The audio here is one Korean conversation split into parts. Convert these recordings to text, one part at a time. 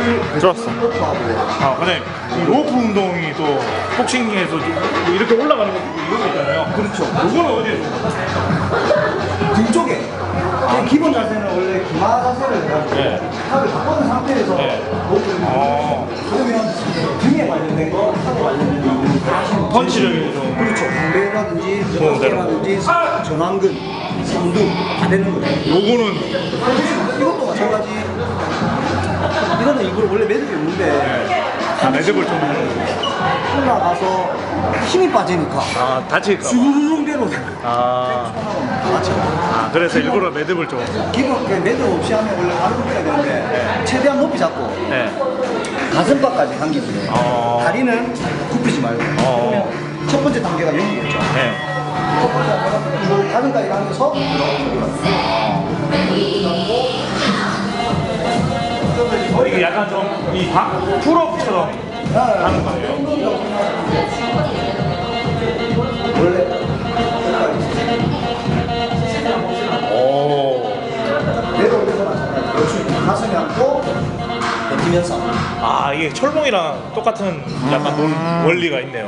좋았어. 아, 근데 이 로프 운동이 또 복싱에서 이렇게 올라가는 거 이거 있잖아요. 그렇죠. 이거는 어디에 좋은 등 쪽에. 기본 자세는 원래 기마 자세를 해가지고 탑을 바꾸는 상태에서 로프를 그러면 등에 관련된 거, 탑에 관련된 거 펀치력이 좀 그렇죠. 방배라든지 어깨라든지 전완근, 상두 다 되는 거예요. 요거는 이것도 마찬가지. 이거는 일부러 원래 매듭이 없는데 매듭을 좀 올라가서 힘이 빠지니까 다칠까 봐. 주르륵대로 그래서 일부러 매듭을 좀 기본 매듭 없이 하면 원래 바로 굽혀야 되는데 최대한 높이 잡고 가슴팍까지 당기고요. 다리는 굽히지 말고 그러면 첫 번째 단계가 여기겠죠. 첫 번째 단계가 가슴까지 가면서 이게 약간 좀 이 풀업처럼 하는 거예요. 원래 매듭 올려서 마찬가지 가슴에 안고 버티면서 이게 철봉이랑 똑같은 약간 원리가 있네요.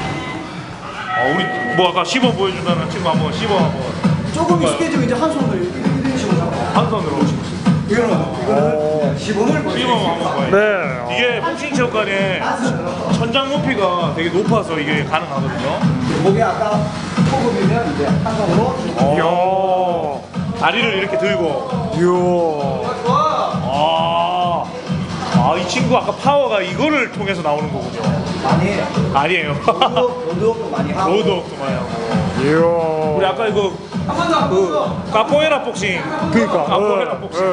우리 뭐 아까 시범 보여준다는 친구 한번 시범 한번. 조금 익숙해지면 이제 한 손으로 이런 식으로 잡아요. 한 손으로. 이거는 시범을 보여요. 시범 한번 보여요. 네. 이게 복싱 체육관의 천장 높이가 되게 높아서 이게 가능하거든요. 목에 아까 호흡이면 이제 한 손으로 다리를 이렇게 들고. 이 친구 아까 파워가 이거를 통해서 나오는 거군요. 아니에요. 아니에요. 로드웍도 많이 하고. 로드웍도 많이 하고. 우리 아까 이거 카포에라 복싱. 그러니까. 카포에라 복싱.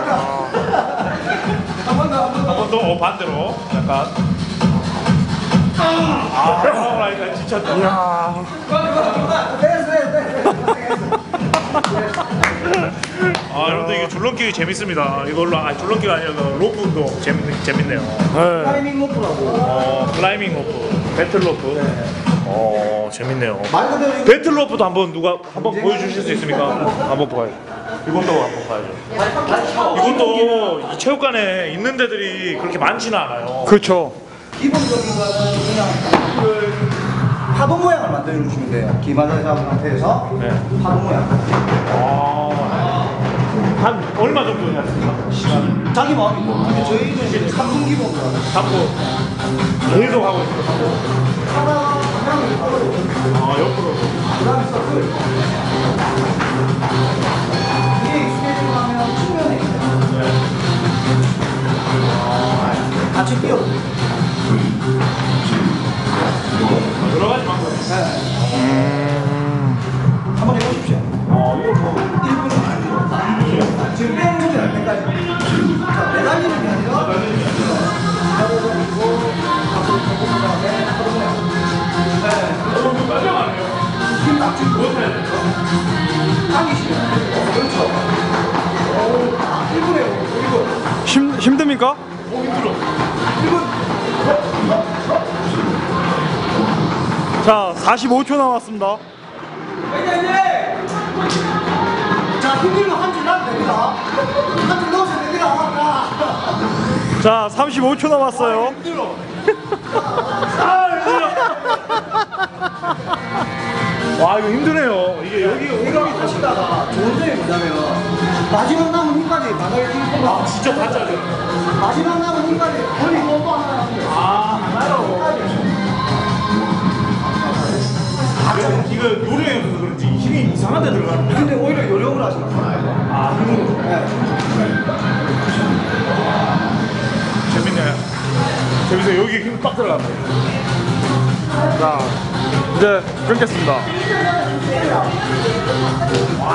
한 번 더 반대로 약간. 파워라이가 지쳤다. 여러분들 이게 줄넘기 재밌습니다. 이걸로 줄넘기가 아니라 로프 운동 재밌네요. 클라이밍 로프라고. 클라이밍 로프, 배틀 로프. 재밌네요. 말 그대로 배틀 로프도 한번 보여주실 수 있습니까? 한번 봐요. 이것도 한번 봐야죠. 이것도 이 체육관에 있는 데들이 그렇게 많지는 않아요. 그렇죠. 기본적인 거는 그냥 파도 모양을 만들어 주시면 돼요. 기마를 잡은 상태에서 파도 모양. 한 얼마 정도 해야 됩니까? 시간을? 자기 마음이고. 근데 저희는 이제 3분 기본으로 잡고 계속 하고 있어요. 하나 방향을 옆으로. 옆으로. 그다음에 서클. 이게 익숙해지고 나면 측면에 같이 뛰어. 여러 가지 방법이 있어요. 한번 해보십시오. 이거 뭐 1분은 아니고 지금 빼는 소리 날 때까지. 자, 매달리는 게 아니라 기다려주고 앞으로 조금 다음에 앞으로 그냥 빨려 안 해요. 힘딱 주고 못해. 당기시면 그렇죠. 1분에 1분. 힘듭니까? 힘들어. 1분. 자, 45초 남았습니다. 자, 힘들면 한 줄 넣으면 됩니다. 한 줄 넣으시면 됩니다. 자, 35초 남았어요. 힘들어. 와, 이거 힘드네요. 이게 이거 하시다가 좋은 점이 뭐냐면 마지막 남은 힘까지 바닥에 끼고 진짜 가짜죠. 마지막 남은 힘까지 거의 또 하나 하나요? 이거 요령이 없어서 그런지 힘이 이상한 데 들어가는 거야. 근데 오히려 요령을 하시는 거예요. 힘으로. 네. 재밌네. 재밌어요. 여기 힘 빡 들어가네. 자, 이제 끊겠습니다. 와,